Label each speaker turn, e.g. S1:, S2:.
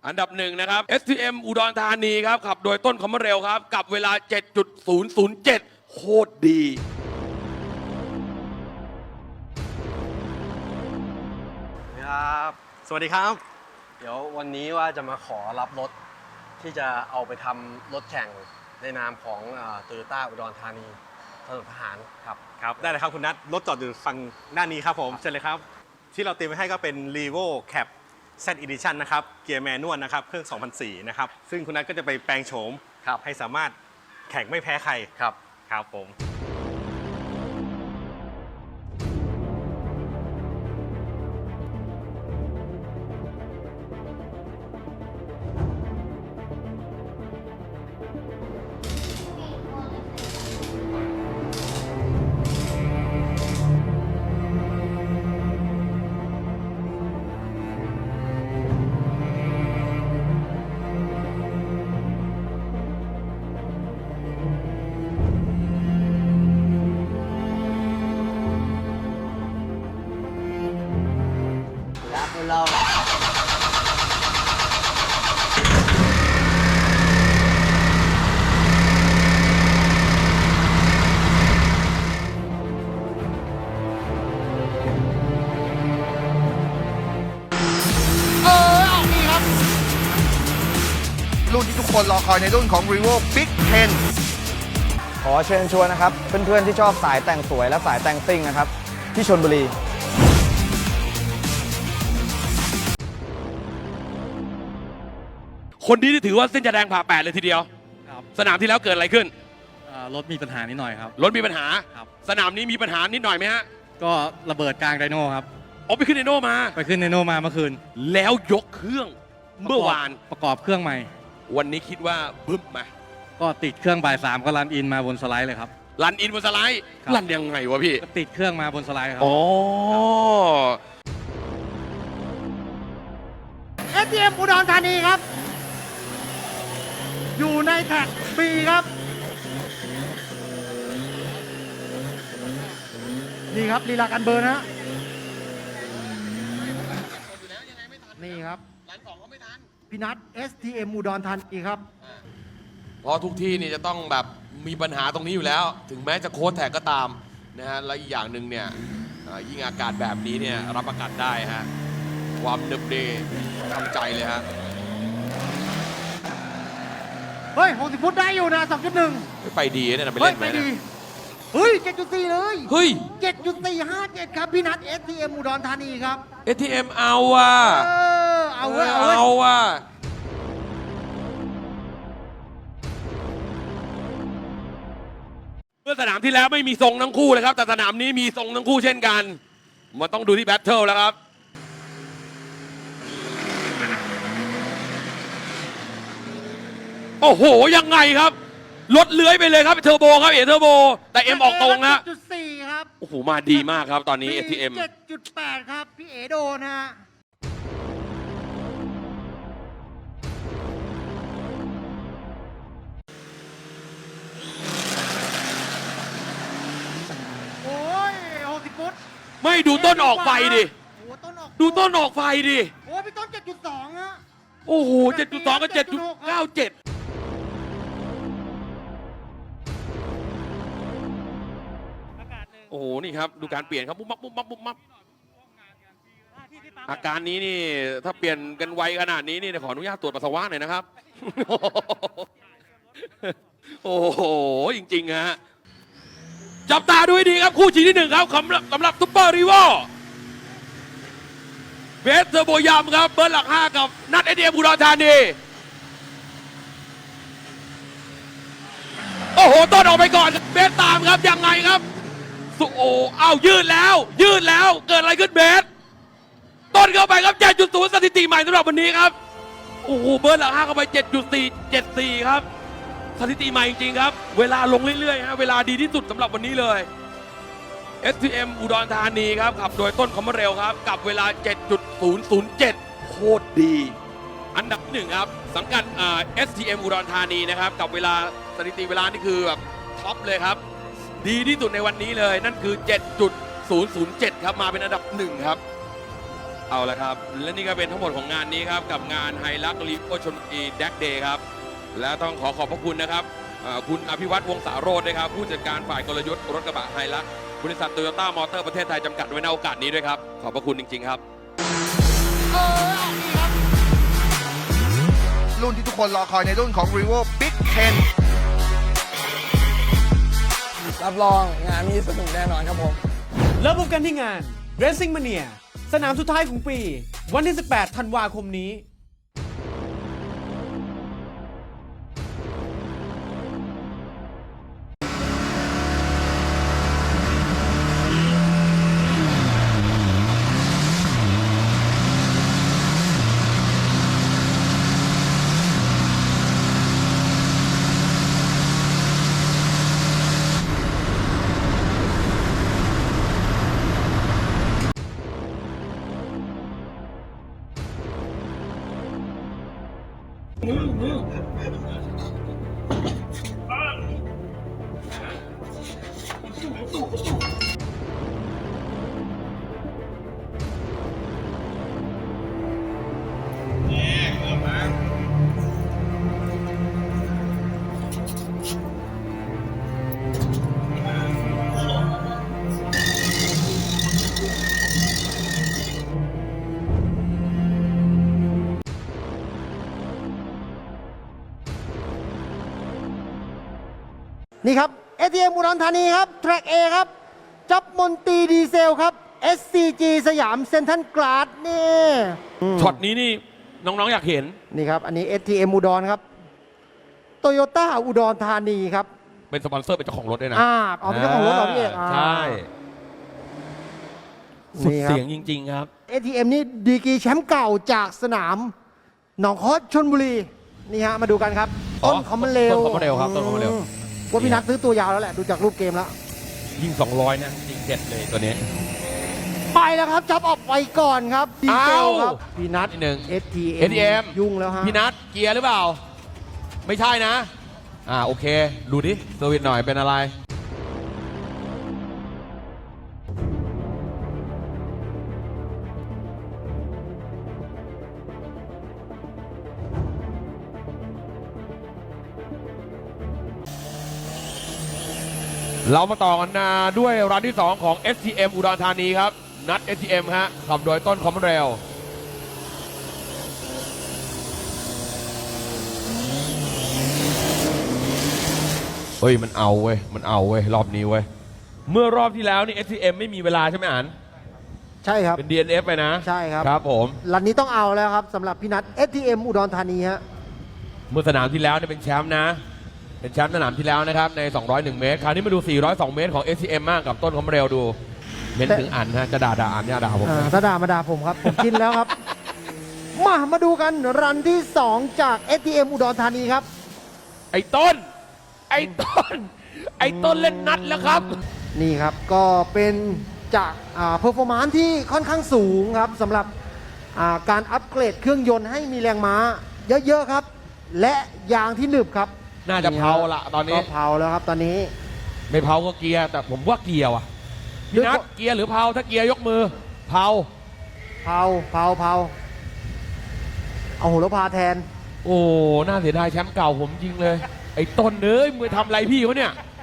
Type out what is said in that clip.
S1: อันดับหนึ่งนะครับ STM อุดรธานีครับขับโดยต้นคำว่าเร็วครับกับเวลา 7.007 โคตรดี
S2: ครับ สวัสดีครับ เดี๋ยววันนี้ว่าจะมาขอรับรถที่จะเอาไปทำรถแข่งในนามของโตโยต้าอุดรธานีถนนทหารครับ
S3: ครับได้เลยครับคุณนัทรถจอดอยู่ฝั่งด้านนี้ครับผมเชิญเลยครับที่เราเตรียมไว้ให้ก็เป็น Revo Cap Z Edition นะครับเกียร์แมนนวลนะครับเครื่อง 2004 นะครับซึ่งคุณนัทก็จะไปแปลงโฉม
S2: ครับ
S3: ให้สามารถแข่งไม่แพ้ใคร
S2: ครับ
S3: ครับผม
S2: รักเรา
S4: รุ่นที่ทุกคนรอคอยในรุ่นของ Revo Big 10
S5: ขอเชิญชวนนะครับเพื่อนๆที่ชอบสายแต่งสวยและสายแต่งซิ่งนะครับที่ชลบุรี
S1: คนนี้ถือว่าเส้นจะแดงผ่าแปดเลยทีเดียว
S6: ครับ
S1: สนามที่แล้วเกิดอะไรขึ้น
S6: รถมีปัญหานิดหน่อยครับ
S1: รถมีปัญหา
S6: ครับ
S1: สนามนี้มีปัญหานิดหน่อยไหมฮะ
S6: ก็ระเบิดกลางไดโน่ครับ
S1: อ๋อไปขึ้นไดโน่มา
S6: ไปขึ้นไดโน่มาเมื่อคืน
S1: แล้วยกเครื่องเมื่อวาน
S6: ประกอบเครื่องใหม่
S1: วันนี้คิดว่าบึ้มไหม
S6: ก็ติดเครื่องบ่าย3ก็รันอินมาบนสไลด์เลยครับ
S1: รันอินบนสไลด์
S6: ครับ
S1: รันยังไงวะพี่
S6: ก็ติดเครื่องมาบนสไลด์ครับ
S1: อ๋อ
S7: STM อุดรธานีครับ อยู่ในแท็ก B ครับ นี่ครับลีลาการเบิร์นฮะนี่ครับพี่นัท STM อุดรธานีครับ
S1: เพราะทุกที่นี่จะต้องแบบมีปัญหาตรงนี้อยู่แล้ว ถึงแม้จะโค้ดแท็กก็ตามนะฮะ และอีกอย่างหนึ่งเนี่ยยิ่งอากาศแบบนี้เนี่ยรับอากาศได้ฮะ ความเนึบเดทำใจเลยฮะ
S7: เฮ้ย 60 ฟุตได้อยู่นะ 2.1
S1: ไปดีเนี่ยนะไป
S7: เฮ้ย
S1: เล่นไห
S7: ไป
S1: ม
S7: ดี
S1: เนี่ย
S7: เฮ้ย 7.4 เลย
S1: เฮ้ย
S7: 7.457 ครับพี่นัท STM อุดรธานีครับ
S1: ATM เอาว่ะ
S7: เอาเว้ยเอาเว้ย
S1: เอาว่ะเมื่อสนามที่แล้วไม่มีทรงทั้งคู่เลยครับ แต่สนามนี้มีทรงทั้งคู่เช่นกัน มันต้องดูที่แบทเทิลแล้วครับ โอ้โห ยังไงครับ รถเลื้อยไปเลยครับเทอร์โบครับเอเทอร์โบ แต่เอ็มออกตรงนะ
S7: 7.4 ครับ
S1: โอ้โห มาดีมากครับตอนนี้ ATM
S7: 7.8 ครับ พี่เอโดนฮะ โอ้ย 60 ฟุต
S1: ไม่ดูต้นออกไฟดิ
S7: โอ้ต้นออก
S1: ดูต้นออกไฟดิ
S7: โอ้พี่ต้น 7.2 ฮะ
S1: โอ้โห 7.2 กับ 7.97 โอ้โห นี่ครับ ดูการเปลี่ยนครับปุ๊บมับปุ๊บมับปุ๊บมับอาการนี้นี่ถ้าเปลี่ยนกันไวขนาดนี้นี่ขออนุญาตตรวจปัสสาวะหน่อยนะครับ โอ้โห จริงๆฮะ จับตาดูให้ดีครับ คู่ชิงที่หนึ่งครับสำหรับซุปเปอร์รีโวเบสเทอร์โบยามครับเบอร์หลัก 5 กับนัทเอเดียมอุดรธานีโอ้โห ต้นออกไปก่อนเบสตามครับยังไงครับสุโออ้าวยืดแล้วเกิดอะไรขึ้นเบสต้นเข้าไปครับ 7.0 สถิติใหม่สำหรับวันนี้ครับโอ้โหเบอร์หลัก 5 เข้าไป 7.474 ครับสถิติใหม่จริงๆครับเวลาลงเรื่อยๆฮะเวลาดีที่สุดสำหรับวันนี้เลย STM อุดรธานีครับขับโดยต้นคำว่าเร็วครับกับเวลา 7.007 โคตรดี อันดับหนึ่งครับสังกัดSTM อุดรธานีนะครับกับเวลาสถิติเวลานี่คือแบบท็อปเลยครับ ดีที่สุดในวันนี้เลยนั่นคือ 7.007 ครับมาเป็นอันดับหนึ่งครับเอาละครับ และนี่ก็เป็นทั้งหมดของงานนี้ครับ กับงานไฮลักลีโอชนบุรีแดกเดย์ครับ และต้องขอบพระคุณนะครับคุณอภิวัตรวงศาโรจน์นะครับ ผู้จัดการฝ่ายกลยุทธ์รถกระบะไฮลักบริษัทโตโยต้ามอเตอร์ประเทศไทยจำกัดไว้ในโอกาสนี้ด้วยครับ ขอบพระคุณจริงๆครับ
S4: รุ่นที่ทุกคนรอคอยในรุ่นของ Revo Big Ten
S5: รับรองงานนี้สนุกแน่นอนครับผม
S8: แล้วพบกันที่งาน Racing Mania สนามสุดท้ายของปี วันที่ 18 ธันวาคมนี้
S7: นี่ครับ ATM อุดรธานีครับ แทร็ก A ครับ จับมนตรีดีเซลครับ SCG สยามเซ็นทรัลกราดนี่
S1: ช็อตนี้นี่น้องๆอยากเห็น
S7: นี่ครับ อันนี้ ATM อุดรครับโตโยต้าอุดรธานีครับ
S1: เป็นสปอนเซอร์เป็นเจ้าของรถด้วยนะ
S7: เอาเป็นเจ้าของรถเหรอพี่เอก
S1: ใช่สุด
S7: นี่ครับ
S1: เสียงจริงๆครับ
S7: ATM นี่ดีกรีแชมป์เก่าจากสนามหนองคอสชลบุรีนี่ฮะมาดูกันครับ ต้นคอมมันเร็ว
S1: ต้นคอมมันเร็วครับต้นคอมมันเร็ว
S7: ว่าพี่นัทซื้อตัวยาวแล้วแหละ ดูจากรูปเกมแล้ว
S1: ยิ่ง 200 นะยิ่งเด็ดเลยตัวนี้
S7: ไปแล้วครับ จับออกไปก่อนครับดีเซลครับ
S1: อ้าว
S7: พี่นัท
S1: นิดนึง
S7: ATM ยุ่งแล้วฮะ
S1: พี่นัทเกียร์หรือเปล่า ไม่ใช่นะ โอเค ดูดิเซอร์วิสหน่อยเป็นอะไร เรามาต่อกันด้วยร้านที่ 2 ของ STM อุดรธานีครับ นัด STM ฮะขับโดยต้นคอมเรล เฮ้ยมันเอาเว้ยรอบนี้เว้ยเมื่อรอบที่แล้วนี่ STM ไม่มีเวลาใช่ไหมอัน
S7: ใช่ครับ
S1: เป็น DNF ไปนะ
S7: ใช่ครับ
S1: ครับผม
S7: รันนี้ต้องเอาแล้วครับสำหรับพี่นัท STM อุดรธานีฮะ
S1: เมื่อสนามที่แล้วเนี่ยเป็นแชมป์นะ เป็นแชมป์สนามที่แล้วนะครับใน 201 เมตร คราวนี้มาดู 402 เมตรของ STM มากกับต้นคอมเรลดู เม้นถึงอันฮะจะด่าอันเนี่ยด่าผม
S7: ถ้าด่ามาด่าผมครับ ผมกินแล้วครับ มาดูกันรันที่ 2 จาก STM อุดรธานีครับ
S1: ไอ้ต้นเล่นนัดแล้วครับ
S7: นี่ครับก็เป็นจากเพอร์ฟอร์มานซ์ที่ค่อนข้างสูงครับสำหรับการอัปเกรดเครื่องยนต์ให้มีแรงม้าเยอะๆครับ และยางที่หนึบครับ
S1: น่าจะเผาละตอนนี้
S7: ก็เผาแล้วครับตอนนี้
S1: ไม่เผาก็เกียร์แต่ผมว่าเกียร์ว่ะพี่นัทเกียร์หรือเผาถ้าเกียร์ยกมือเผา
S7: เอาโหระพาแทน
S1: โอ้น่าเสียดายแชมป์เก่าผมจริงเลย ไอ้ต้นเอ้ยมือทำอะไรพี่วะเนี่ย